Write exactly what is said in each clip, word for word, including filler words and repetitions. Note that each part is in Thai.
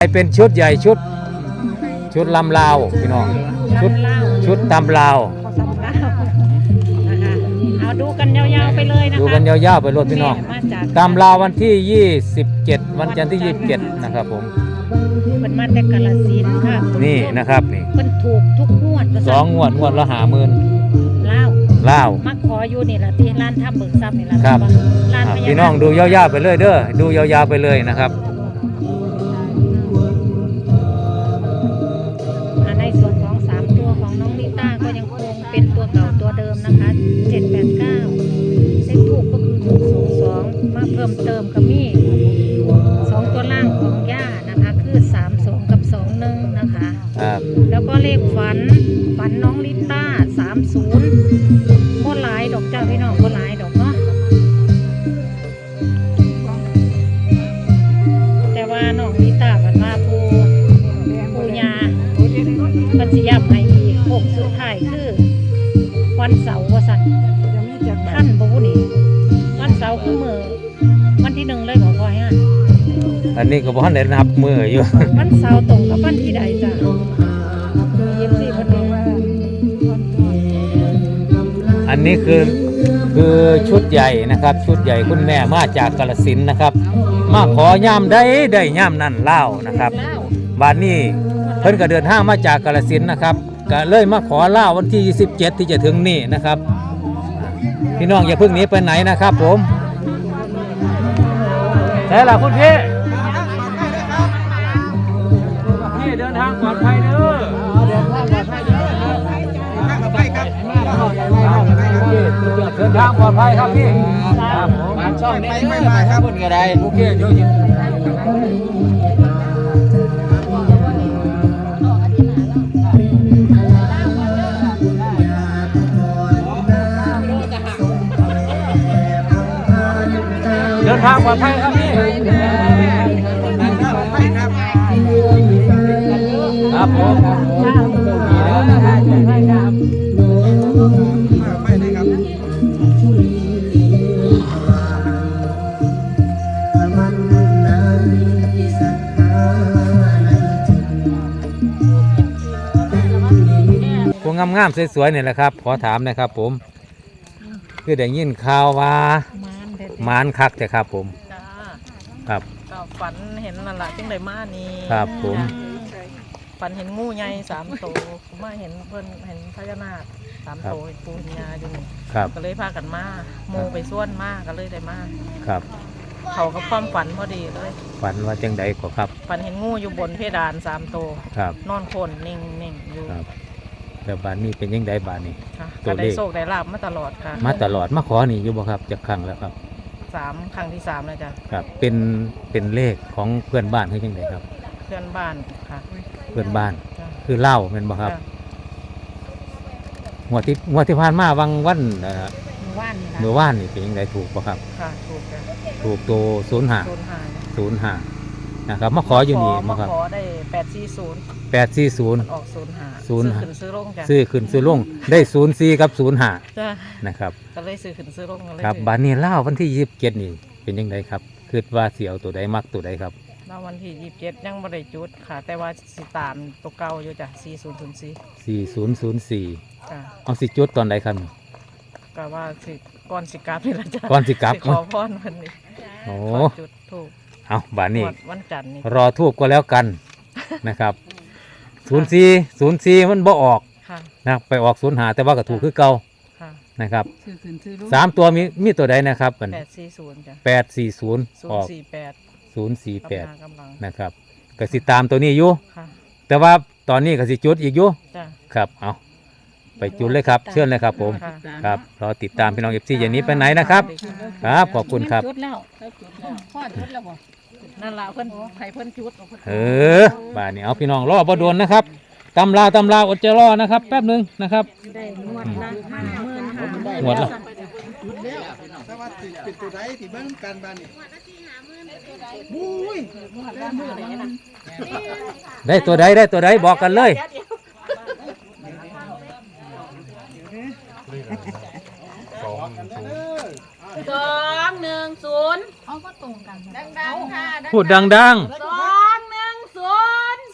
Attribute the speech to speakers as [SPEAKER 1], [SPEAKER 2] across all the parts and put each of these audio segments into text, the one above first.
[SPEAKER 1] เป็นชุดใหญ่ชุดชุดลำลาวพี่น้องชุดชุดตำลาว
[SPEAKER 2] เอาดูกันยาวๆไปเลยนะคะ
[SPEAKER 1] ดูกันยาวๆไปรถพี่น้องตำลาววันที่ยี่สิบเจ็ดวันจันทร์ที่ยี่สิบเจ็ดนะครับผม
[SPEAKER 2] เป็นมาแต่กาฬสินธุ์ค่ะ
[SPEAKER 1] นี่นะครับนี่
[SPEAKER 2] เป็นถูกทุกงวด
[SPEAKER 1] สองงวดงวดละห้าหมื่น
[SPEAKER 2] ลาว
[SPEAKER 1] ลาว
[SPEAKER 2] มาขออยู่นี่แหละที่ร้านทำเบิกทรัพย์นี่แหละ
[SPEAKER 1] ครับพี่น้องดูยาวๆไปเลยเด้อดูยาวๆไปเลยนะครับ
[SPEAKER 2] ในส่วนของสามตัวของน้องลิต้าก็ยังคงเป็นตัวเก่าตัวเดิมนะคะเจ็ดแปดเก้าเลขถูกก็คือถูกสองสองมาเพิ่มเติมกับมี่สองตัวล่างของย่านะคะคือสามสองกับสองหนึ่งนะคะแล้วก็เลขฝันฝันน้องลิต้าสามศูนย์โคตรหลายดอกเจ้าพี่น้องโคตรหลายดอกเนาะแต่ว่าน้องลิต้าฝันว่าปูปูยาปัญญาให้อีกหกสุดท้ายคือวันเสาร์ว่าสั่นท่านบอกว่านี่วันเสาร์คือมือวันที่หนึ่งเลยขอพอฮะ
[SPEAKER 1] อันนี้ก็บอกให้นับมืออยู่
[SPEAKER 2] วันเสาร์ตรงกับวันที่ใดจ้ะยี่สิบสี่คนนี้
[SPEAKER 1] อันนี้คือคือชุดใหญ่นะครับชุดใหญ่คุณแม่มาจากกาฬสินธุ์นะครับมาขอย่ามได้ได้ย่ามนั่นเล่านะครับบ้านนี้เพิ่นก็เดินทางมาจากกาฬสินธุ์นะครับก็เลยมาขอเล่าวันที่ยี่สิบเจ็ดที่จะถึงนี่นะครับพี่น้องอย่าเพิ่งหนีไปไหนนะครับผมแต่ละคุณพี่พี่เดินทางปลอดภัยเด้อเดินทางปลอดภัยเด้อปลอดภัยครับเดินทางปลอดภัยครับพี่ครับผมช่องนี้ไม่มาครับคุณกระไดโอเคเดี๋ยวเดินทางปลอดภัยครับพี่ครับผมพวกงามๆสวยๆเนี่ยแหละครับขอถามนะครับผมคือได้ยินข่าวว่ามานคักแต่ครับผมครับ
[SPEAKER 3] ก็ฝันเห็นนั่นแหละจึงได้มานี่
[SPEAKER 1] ครับผม
[SPEAKER 3] ฝันเห็นงูใหญ่สามตัวมาเห็นเพิ่นเห็นพญานาคสามตัวปูญาอยู่นี่ก็เลยพากันมาโมไปส่วนมาก็เลยได้มา
[SPEAKER 1] ครับ
[SPEAKER 3] เขากับความฝันพอดีเลย
[SPEAKER 1] ฝันว่าจังใดก็ครับ
[SPEAKER 3] ฝันเห็นงูอยู่บนเพดานสามตัว
[SPEAKER 1] น
[SPEAKER 3] อนคนนิ่งๆอยู่
[SPEAKER 1] แต่บ้านนี้เป็นยังไงบ้านนี้
[SPEAKER 3] ก็ได้โชคได้ลาบมาตลอดค่ะ
[SPEAKER 1] มาตลอดมาขอนี่อยู่บ่ครับจะครั้งแล้วครับ
[SPEAKER 3] สามครั้งที่สามแล้วจ้ะ
[SPEAKER 1] ครับเป็นเป็นเลขของเพื่อนบ้านคือยังไงครับ
[SPEAKER 3] เพื่อนบ้านค่ะ
[SPEAKER 1] เพื่อนบ้านคือเล่าเป็นบ่ครับงวดที่งวดที่ผ่านมาวังวันเอ่อเมื่อวานนี่เป็นยังไงถูกบ่ครับ
[SPEAKER 3] ค่ะถูกจ้ะ
[SPEAKER 1] ถูกตัวศูนย์ห้าศูนย์ห้านะครับมาขออยู่นี่
[SPEAKER 3] มาขอได้แปดสี่ศูนย์
[SPEAKER 1] แปดสี่ศูนย์
[SPEAKER 3] ออกศูนย์ห้า
[SPEAKER 1] ศูนย์
[SPEAKER 3] ขึ้นซื้อลงจ้ะ
[SPEAKER 1] ซื้อขึ้นซื้อลงได้ศูนย์สี่กับศูนย์ห้านะครับ
[SPEAKER 3] ก็เลยซื้อขึ้นซื้อลง
[SPEAKER 1] ครับบ้านนี้เล่าวันที่ยี่สิบเจ็ดนี่เป็นยังไงครับคือว่าเสียวตัวใดมักตัวใดครับ
[SPEAKER 3] เล่าวันที่ยี่สิบเจ็ดยังไม่ได้จุดค่ะแต่ว่าสิตามตัวเก่าอยู่จ้ะสี่ศูนย์ศูนย์สี่
[SPEAKER 1] สี่ศูนย์ศูนย์สี่เอาสิจุดตอนใดครับ
[SPEAKER 3] ก็ว่าสิก่อนสิกลับนี่ละจ้ะ
[SPEAKER 1] ก่อนสิกลับ
[SPEAKER 3] ขอพรวันนี้
[SPEAKER 1] โอ้
[SPEAKER 3] จุดถูก
[SPEAKER 1] เอาบ้านนี้
[SPEAKER 3] วันจันทร์นี่
[SPEAKER 1] รอทูบก็แล้วกันนะครับศูนย์สี่ศูนย์สี่มันบ่ออกนะไปออกศูนย์หาแต่ว่าก็ถูกคือเก่านะครับสามตัวมีมีตัวใดนะครับ
[SPEAKER 3] แปดสี่ศูนย์จ้ะ
[SPEAKER 1] แปดสี่ศูนย์
[SPEAKER 3] ออกสี่แปด
[SPEAKER 1] ศูนย์สี่แปดนะครับก็สิตามตัวนี้อยู่แต่ว่าตอนนี้ก็สิจุดอีกอยู่ครับเอาไปจุดเลยครับเชิญเลยครับผมครับรอติดตามพี่น้องเอฟซีอย่างนี้ไปไหนนะครับครับขอบคุณครับ
[SPEAKER 3] นั่นละเพิ่นไข่เพิ่นจุด
[SPEAKER 1] เออบ้านนี้เอาพี่น้องรอบ่โดนนะครับตำลาตำลาอดจะรอนะครับแป๊บนึงนะครับหมดแล้วได้ตัวใดได้ตัวใดบอกกันเลย
[SPEAKER 2] สองหนึ่งศูนย์
[SPEAKER 1] พูดดังๆ
[SPEAKER 2] สองหนึ่งศู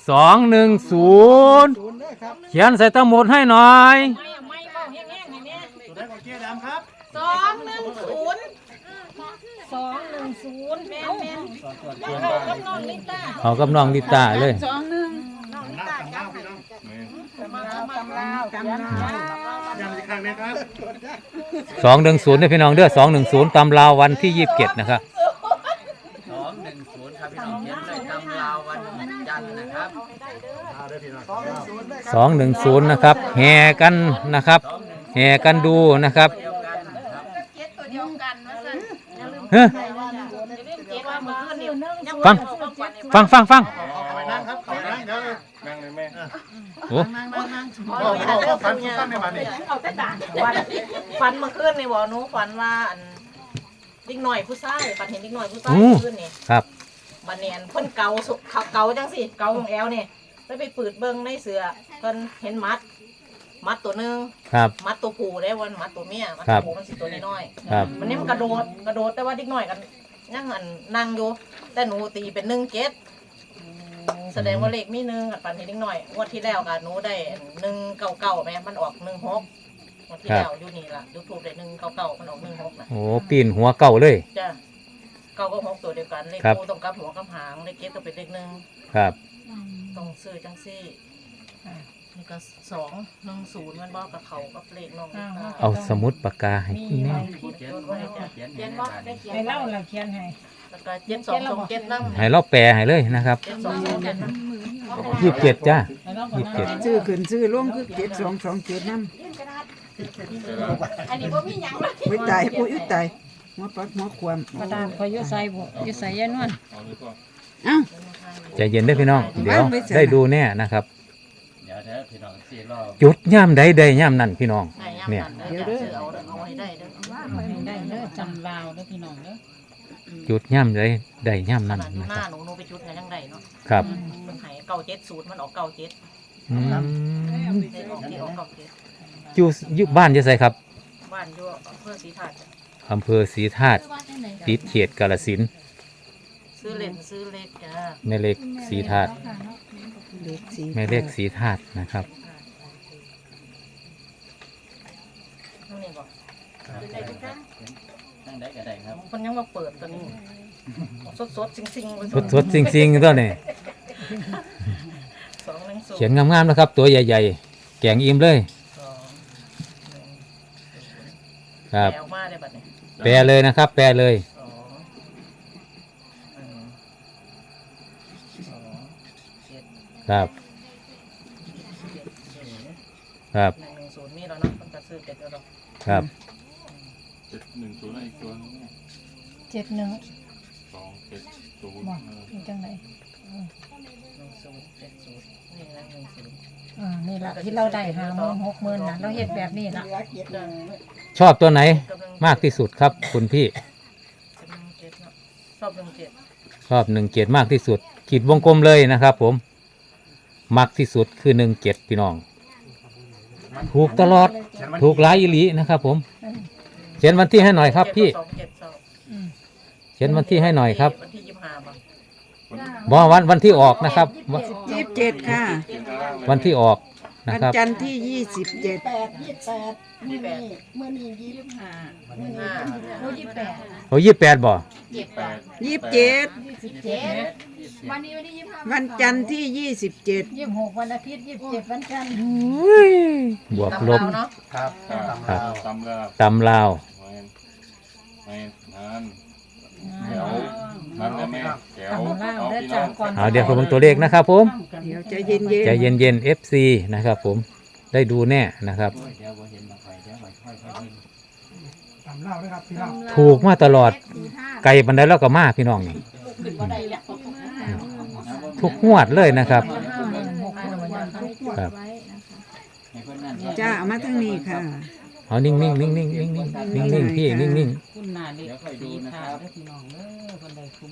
[SPEAKER 1] สองหนึ่งศูนย์เขียนใส่ตะหมุดให้หน่อย
[SPEAKER 3] ไม่ไม่เบาแห้งๆให้แม่
[SPEAKER 4] ตัวได้ของเจ๊ดำครับ
[SPEAKER 3] สองหนึ่งศูนย์
[SPEAKER 2] สองหนึ่งศูนย์แม่แม่
[SPEAKER 3] เข้ากับน้องลิต้า
[SPEAKER 1] เอากับน้องลิตาเลย
[SPEAKER 2] สองหนึ่ง
[SPEAKER 3] น้องลิ
[SPEAKER 4] หน้า
[SPEAKER 3] ต้า
[SPEAKER 4] ต่าง
[SPEAKER 3] จ้า
[SPEAKER 4] เล่าพี่น้อง
[SPEAKER 3] มาตำลาวตำลาว
[SPEAKER 4] ยังอีกครั้งนะครับ
[SPEAKER 1] สองหนึ่งศูนย์เนี่ยพี่น้องเด้อสองหนึ่งศูนย์ตำราววันที่ยี่สิบเจ็ดนะครับ
[SPEAKER 5] สองหนึ่งศูนย์ครับพี่น้องเขียนเลยตำราววันจันทร์นะครับ
[SPEAKER 4] เอาเด้อพี่น้อง
[SPEAKER 1] สองหนึ่งศูนย์นะครับแห่กันนะครับแห่กันดูนะครับ
[SPEAKER 5] เดียวกันครับ
[SPEAKER 3] เจ็ดตัวเดียวกันว่าซั่น
[SPEAKER 1] เฮ้ย
[SPEAKER 3] อย่าลืมเจ็ดว่ามื้อคืนนี่ยัง
[SPEAKER 1] ฟัง ฟังฟังฟัง
[SPEAKER 4] เอาไปนั่งครับเอาไปนั่งเดี๋ยวนั่งเลยแม่
[SPEAKER 1] โอ้
[SPEAKER 4] พ่อพ่อพ่อฟันฟันในบ้านนี่
[SPEAKER 3] เอาแต่ด่านวันฝันเมื่อคืนนี่บ่หนูฝันว่าอันเด็กหน่อยผู้ชายฝันเห็นเด็กหน่อยผู้ชายเมื่อคืนนี่
[SPEAKER 1] ครับ
[SPEAKER 3] บันเนียนเพิ่นเกาสุเขาเกาจังสิเกาของแอลเนี่ยไปไปปืดเบิ้งในเสือเพิ่นเห็นมัด มัดตัวหนึง
[SPEAKER 1] ครับ
[SPEAKER 3] มัดตัวผู้ได้วันมัดตัวเมียมัด
[SPEAKER 1] ครั
[SPEAKER 3] ตัว
[SPEAKER 1] บ
[SPEAKER 3] ผู้มันสิตัวน้อย
[SPEAKER 1] ครับ
[SPEAKER 3] ๆมันนี่มันกระโดดกระโดดแต่ว่าเด็กน้อยกันยังอันนั่งอยู่แต่หนูตีเป็นหนึ่งเจ็ดแสดงว่าเลขมีหนึ่งอันปันเห็นเด็กน้อยงวดที่แล้วกับหนูได้หนึ่งเก้าเก้าแม่มันออกหนึ่งหกงวดที่แล้วอยู่นี่ล่ะยูทูบได้หนึ่งเก้าเก้ามันออกหนึ่งหกนะ
[SPEAKER 1] โอ้ปีนหัวเก่าเลย
[SPEAKER 3] จ้ะเก้าก็หกตัวเดียวกันเลข
[SPEAKER 1] ครับ
[SPEAKER 3] คู่ตรงกับหัวกับหางเลขเจ็ดก็เป็นเลขหนึ่ง
[SPEAKER 1] ครับ
[SPEAKER 3] ต้องซื้อจังซี่นี่ก็สองหนึ่งศูนย์มันบอกกับเขากับเลขน้องลิต้า
[SPEAKER 1] เอาสมุดปากกาให้คุณแม่
[SPEAKER 5] เขียนไว้จ้ะเขียนให้ในบ้านนี่
[SPEAKER 2] ไปเล่าเราเขียนให้
[SPEAKER 3] แล้วก็เจ็ดสองสองเจ็ดน้ำ
[SPEAKER 1] ให้เราแปลให้เลยนะครับ
[SPEAKER 3] เจ็ดสองสองเจ็ดน้
[SPEAKER 1] ยี่สิบเจ็ดจ้ายี่สิบเจ็ด
[SPEAKER 6] ซื้อขึ้นซื้อลงคือเจ็ดสองสองเจ็ดน้
[SPEAKER 3] ำอันนี้ว่ามีหยังเลย
[SPEAKER 6] ำไว้ตายปุ้ยตายหัวปักหัวความ
[SPEAKER 2] กระดาษคอยอยุ่ใส่บุยุ่ใส่ยายนวล
[SPEAKER 6] เอ้า
[SPEAKER 1] ใจเย็นเด้อพี่น้อง เดี๋ยวได้ดูแน่นะครับ
[SPEAKER 5] เดี๋ยวเด้อพี่น้องสี่รอบ
[SPEAKER 1] จุดย่ามใดได้ย่ามนั่นพี่น้อง
[SPEAKER 3] ไหน
[SPEAKER 1] เนี่ย
[SPEAKER 3] ยำนั่นเด้อซื้อเอาเอาไว้ได้เด้อ
[SPEAKER 2] ได้เด้อจำลาวเด้อพี่น้องเด้อ
[SPEAKER 1] จุดย่ามใดได้ย่าม
[SPEAKER 3] ข
[SPEAKER 1] นั่น
[SPEAKER 3] นาดอยู่
[SPEAKER 1] นะ
[SPEAKER 3] ห
[SPEAKER 1] ค
[SPEAKER 3] น้า
[SPEAKER 1] รับ
[SPEAKER 3] หนูหนูไปจุดไหนยังไงเนาะ
[SPEAKER 1] ครับ
[SPEAKER 3] มันใหายเก้าเจ็ดศูนย์มันออกเก้าเจ็ด
[SPEAKER 1] อืม
[SPEAKER 3] ได้ออกที่ออกเก้าเจ็ด
[SPEAKER 1] อยู่อยู่บ้านจะใส่ครับ
[SPEAKER 3] บ้านอยู่อำเภอศรีธาตุจ้ะ
[SPEAKER 1] อำเภอศรีธาตุติดเขตกาฬสินธุ์
[SPEAKER 3] ซื้อเล่นซื้อเล็กจ้า
[SPEAKER 1] แม่เล็กศรีธาตุ
[SPEAKER 6] เล็กสี
[SPEAKER 1] แม่เล็กศรีธาตุนะครับ
[SPEAKER 3] นี่บอก
[SPEAKER 5] ตั้งได้ก็ได้ครับ
[SPEAKER 3] มันยังมาเปิดตัวนี้สดสดๆจริงๆเลย
[SPEAKER 1] สดสดๆจริงๆตัวนี้
[SPEAKER 3] สองหนึ่งศูนย์
[SPEAKER 1] เขียนงามๆนะครับ ตัวใหญ่ๆ แกงอิ่มเลย
[SPEAKER 3] สองหนึ่ง
[SPEAKER 1] ครับ
[SPEAKER 3] แปลออกมาได้บัดนี้
[SPEAKER 1] แปลเลยนะครับ แปลเลย
[SPEAKER 3] สองหนึ่งสองเจ็ด
[SPEAKER 1] ครับ ครับ
[SPEAKER 3] หนึ่งหนึ่งศูนย์มีแล้วเนาะมันจะซื้อเจ็ดแล้วเนาะ
[SPEAKER 1] ครับ
[SPEAKER 7] เจ็ดหนึ่งศูนย์อะไรอีกตัวนึงเนี่ย
[SPEAKER 2] เจ็ดหนึ่ง
[SPEAKER 7] สองเจ็ดศูนย์
[SPEAKER 2] บอก
[SPEAKER 7] เออ
[SPEAKER 2] อยู่จังไหน
[SPEAKER 3] หนึ่งศูนย์เจ็ดศูนย์นี่นะหนึ่งศูนย์
[SPEAKER 2] อ่านี่ละที่เราได้หาหมื่นหกหมื่นนะเราเฮ็ดแบบนี้ละ
[SPEAKER 3] จ้ะ
[SPEAKER 1] ชอบตัวไหน
[SPEAKER 3] กำลัง
[SPEAKER 1] มากที่สุดครับ คุณพี่
[SPEAKER 3] กำลังเจ็ดเนาะชอบหนึ่งเจ็ด
[SPEAKER 1] ชอบหนึ่งเจ็ดมากที่สุด ขีดวงกลมเลยนะครับ ผม มักที่สุดคือหนึ่งเจ็ดพี่น้อง ถูกตลอด ถูกหลายอีหลีนะครับ ผม เขียนวันที่ให้หน่อยครับพี่
[SPEAKER 3] สองเจ็ดสอง
[SPEAKER 2] อืม
[SPEAKER 1] เขียนวันที่ให้หน่อยครับ
[SPEAKER 3] วันที่ยี่สิบห้าป่ะ
[SPEAKER 1] บอกวันวันที่ออกนะครับวัน
[SPEAKER 6] ยี่สิบเจ็ดค่ะ
[SPEAKER 7] เขียนข้างล่างเลย
[SPEAKER 1] วันที่ออกนะ
[SPEAKER 6] วัน
[SPEAKER 1] ครับ
[SPEAKER 6] จันทร์ที่ยี่สิบเจ็ด
[SPEAKER 3] ยี่สิบแปด
[SPEAKER 6] ห้า
[SPEAKER 3] ห้า
[SPEAKER 2] โอ้ยี่สิบแปด
[SPEAKER 1] โอ้ยี่แปดบ่
[SPEAKER 3] ยี่สิบแปด
[SPEAKER 6] ยี่สิบเจ็ด
[SPEAKER 2] สิบเจ็ด
[SPEAKER 6] วันจันทร์ที่ยี่สิบเจ็ด
[SPEAKER 2] ยี่สิบหกวันอาทิตย์ยี่สิบเจ็ดวันจันทร์
[SPEAKER 1] บวก
[SPEAKER 3] ตำ
[SPEAKER 1] ล
[SPEAKER 3] รา
[SPEAKER 1] บ
[SPEAKER 3] วเนาะ
[SPEAKER 4] ครับ
[SPEAKER 7] ครับตำรา
[SPEAKER 1] ตำลาว
[SPEAKER 7] ไม่ไม่นั่นแถวนั่นแหละแม่แถว
[SPEAKER 2] ตำลาว
[SPEAKER 7] เอา
[SPEAKER 2] เด้อ
[SPEAKER 7] พี่น้
[SPEAKER 2] จ้า
[SPEAKER 7] อง
[SPEAKER 2] ก่อน
[SPEAKER 1] เอาเดี๋ยวผมเบิ่งตัวเลขนะครับ ผม
[SPEAKER 6] เดี๋ยวใจเย็นเย็น
[SPEAKER 1] ใจเย็นเย็นๆ เอฟ ซี นะครับ ผม ได้ดูแน่นะครับ
[SPEAKER 5] โอ้ยเดี๋ยวบ่เห็นมาไฟเดี๋ยวค่อยๆค่อยๆเห็น
[SPEAKER 4] ตำเล่าด้วยครับพี่น้อง
[SPEAKER 1] ถูกมาตลอด ไก่บันไดแล้วก็มาพี่น้องนี่
[SPEAKER 3] ขึ้นมาได้แล้ว
[SPEAKER 1] ทุกงวดเลยนะครับ
[SPEAKER 2] ห้าหมื่นหกหมื่นวันทุกงวด
[SPEAKER 1] ครับ
[SPEAKER 5] ให้เพิ่นนั่น
[SPEAKER 6] จ้าเอามาทั้งนี้ค่ะ
[SPEAKER 1] เอานิ่งๆนิ่งๆนิ่งๆนิ่งๆนิ่งๆนิ่งๆนิ่งๆพี่นิ่งๆนิ่ง
[SPEAKER 8] คุณนาเด็ก
[SPEAKER 5] เดี๋ยวค่อยดู
[SPEAKER 8] สี
[SPEAKER 5] นะค
[SPEAKER 8] ขา
[SPEAKER 5] รั
[SPEAKER 8] ด
[SPEAKER 5] บ
[SPEAKER 8] เด้อพี่น้องเด้อคนใดคุม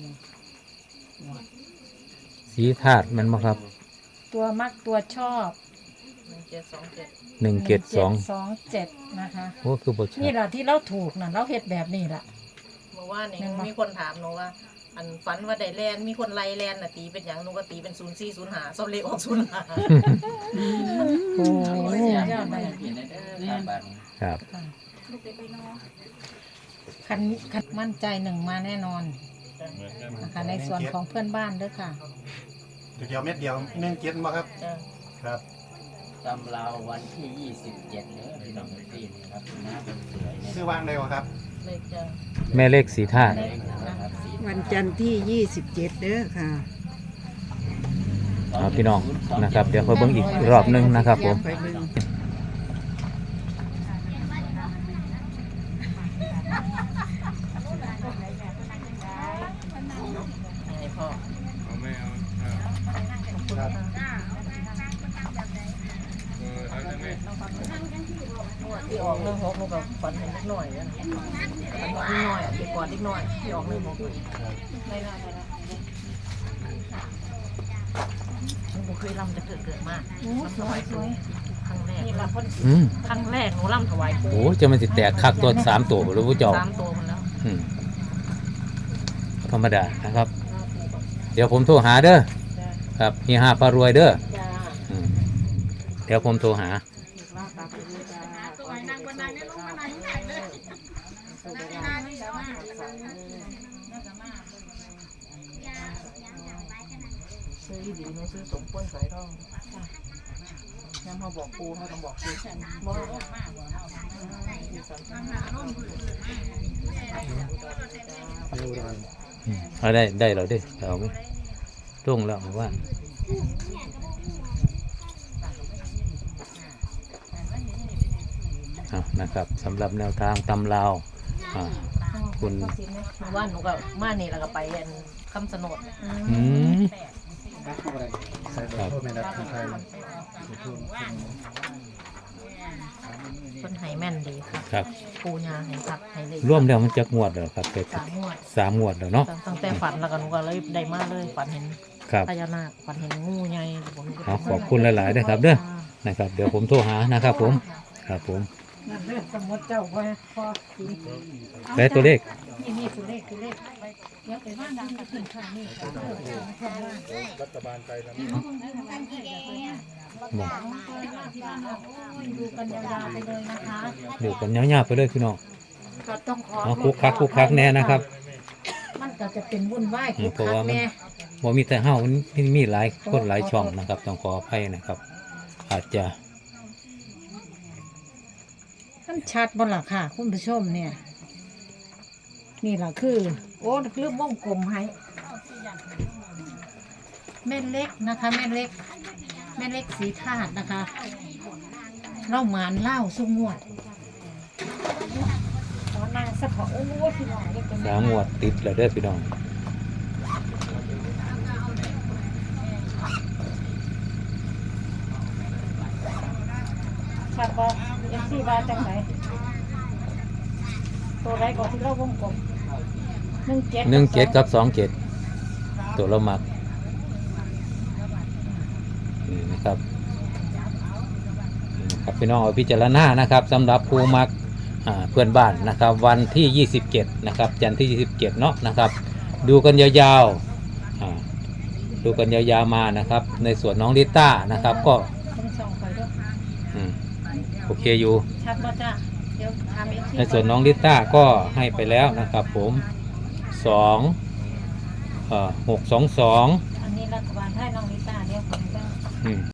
[SPEAKER 1] ๆสีธาตุแมันบ่ครับ
[SPEAKER 2] ตัวมักตัวชอบ
[SPEAKER 3] หนึ่งเจ็ดสองเจ็ด
[SPEAKER 1] หนึ่งเจ็ดสอง
[SPEAKER 2] สองเจ็ดนะคะ
[SPEAKER 1] โอ้คือบ่ชั
[SPEAKER 2] นี่
[SPEAKER 1] ด
[SPEAKER 2] แหละที่เราถูกนะเราเฮ็ดแบบนี้ละ
[SPEAKER 3] เมื่อวานนี้
[SPEAKER 2] แม่นบ่
[SPEAKER 3] มีคนถามหนูว่าอันฝันว่าได้แลนมีคนไล่แลนน่ะตีเป็นหยังหนูก็ตีเป็นศูนย์สี่ศูนย์ห้าซอบเลขออกศูนย์ห้า
[SPEAKER 2] โอ้
[SPEAKER 5] โอ้ยอยากได้กินได้เด้อครับบัดนี้
[SPEAKER 1] ครับ
[SPEAKER 2] คันคันมั่นใจหนึ่งมาแน่นอนนะคะในส่วนของเพื่อนบ้านด้วยค่ะ
[SPEAKER 4] เดียวเม็ดเดียวหนึ่งเจ็ดมาครับ
[SPEAKER 3] จ้ะ
[SPEAKER 4] ครับ
[SPEAKER 5] ตำราววันที่ยี่สิบเจ็ดเด้อพี่น้องที่นี่ครับหน้าเป็นสวยเนี่ย
[SPEAKER 4] ชื่อวางเลยวะครับ
[SPEAKER 3] เลขจ้ะ
[SPEAKER 1] แม่เลขสีธาตุ
[SPEAKER 5] นะครับสี
[SPEAKER 6] วันจันทร์ที่ยี่สิบเจ็ดเด้อค่ะ
[SPEAKER 1] เอาพี่น้องนะครับ เดี๋ยวค่อยเบิ่งอีกรอบหนึงนะครับผม
[SPEAKER 6] ไปเบิ่ง
[SPEAKER 3] ให้พ่อ
[SPEAKER 7] เอาไม่เอา
[SPEAKER 4] ครับ
[SPEAKER 7] เออเอาได้ไหม
[SPEAKER 3] ที่ออกเรื่องหกหนูกับฝันเห็นนิดหน่อยนะฝันว่านิดหน่อยอ่ะเด็กกว่านิดหน่อยที่ออกเรื่องหกได้ได้ได้หนูเคยรำจะเกิดเกิดมากรำถวายปู่ครั้งแรกนี่ละคน
[SPEAKER 1] อืม
[SPEAKER 3] ครั้งแรกหนูรำถวายปู่
[SPEAKER 1] โอ้จะมันสิแตกคักตัวสามตัวหรือผู้เจ้า
[SPEAKER 3] สามตัวมันแล้ว
[SPEAKER 1] อืมธรรมดานะครับ เดี๋ยวผมโทรหาเด้อ
[SPEAKER 3] จ้า
[SPEAKER 1] ครับเฮียห้าปลารวยเด้อ
[SPEAKER 3] จ้า
[SPEAKER 1] อืมเดี๋ยวผมโทรหา
[SPEAKER 3] ซื้อดีหนูซื้อสมป้นสายทองย้ำเขาบอกปูเขาต้องบอกซื้อบอก
[SPEAKER 1] อืมเอาได้ได้แล้วเด้เอาไหมรุ่งแล้วผมว่าเอานะครับสำหรับแนวทางตำลาวอ่าคุณ
[SPEAKER 3] ว่าหนูก็มานี่แล้วก็ไปอันคำสนด
[SPEAKER 1] อืม
[SPEAKER 4] ใส่ตัวโทษไม่รับคนไทย
[SPEAKER 3] คนไห้แม่นดีครับ
[SPEAKER 1] ครับ
[SPEAKER 3] ปูยาให้ครับให้เลย
[SPEAKER 1] ร่วมแล้วมันจะงวดแล้วครับเป็ด
[SPEAKER 3] สามงวด
[SPEAKER 1] สามงวดแล้วเนาะ
[SPEAKER 3] ตั้งแต่ฝันแล้วก็หนูก็เลยได้มาเลยฝันเห็น
[SPEAKER 1] ครับ
[SPEAKER 3] พญานาคฝันเห็นงูใหญ่ผมก็
[SPEAKER 1] เอาขอบคุณหลายๆด้วยครับเด้อนะครับ เดี๋ยวผมโทรหานะครับ ผมครับผม
[SPEAKER 2] นั่นเรื่องสมมติเจ้าไว้พอกิน
[SPEAKER 1] ได้ตัวเลข
[SPEAKER 2] นี่นี่ตัวเลขตัวเลขเดี๋ยวไปว่างดังกับถึงข้างนี่ค่ะเออเออเออ
[SPEAKER 4] รัฐบาลไทยแล้ว
[SPEAKER 1] บอก
[SPEAKER 2] ดูกันยาวๆไปเลยนะคะ
[SPEAKER 1] เดี๋ยวกันยาวๆไปเลยพี่น้อง
[SPEAKER 2] ก็ต้องขอ
[SPEAKER 1] เอาคุกคักคุกคักแน่นะครับ
[SPEAKER 2] มันก็จะเป็นวุ่นวาย
[SPEAKER 1] อื
[SPEAKER 2] คุ
[SPEAKER 1] ม
[SPEAKER 2] ก
[SPEAKER 1] เพราะ
[SPEAKER 2] คั
[SPEAKER 1] ว่าก มัน
[SPEAKER 2] แน่
[SPEAKER 1] ว่ามีแต่เฮามันมีหลายคนหลายช่องนะครับ ต้องขออภัยนะครับ อาจจะ
[SPEAKER 2] มันชัดบ่ล่ะค่ะ คุณผู้ชมเนี่ย นี่ล่ะคือ โอ้ลืมวงกลมให้แม่เล็กนะคะแม่เล็ก แม่เล็กสีธาตุนะคะเล่าหมานเล่าสุงวดขอนางสักขอโอ้โหพี่น้องเล็กเป็น
[SPEAKER 1] สามงวดติดแล้วเด้อพี่น้อง
[SPEAKER 2] ชัดบ่เอฟซีว่าจังไหนตัวไรก่อนที่เราวงกลมหนึ่งเจ็ด
[SPEAKER 1] หนึ่งเจ็ดกับสองเจ็ดตัวเรามักนี่นะครับนี่นะครับพี่น้องเอาพิจารณานะครับสำหรับผู้มักอ่าเพื่อนบ้านนะครับ วันที่ยี่สิบเจ็ดนะครับจันทร์ที่ยี่สิบเจ็ดเนาะนะครับ ดูกันยาวๆอ่าดูกันยาวๆมานะครับ ในส่วนน้องลิต้านะครับ ก็
[SPEAKER 2] ต้องส่องไปด้วย
[SPEAKER 1] อืมโอเคอยู่
[SPEAKER 2] ชัดบ่จ้ะเดี๋ยวทำเอฟซี
[SPEAKER 1] ในส่วนน้องลิต้าก็ให้ไปแล้วนะครับ ผมสองเอ่อหกสองสอง
[SPEAKER 2] อันนี้รัฐบาลให้น้องลิต้าเดี๋ยวผมจะ
[SPEAKER 1] อืม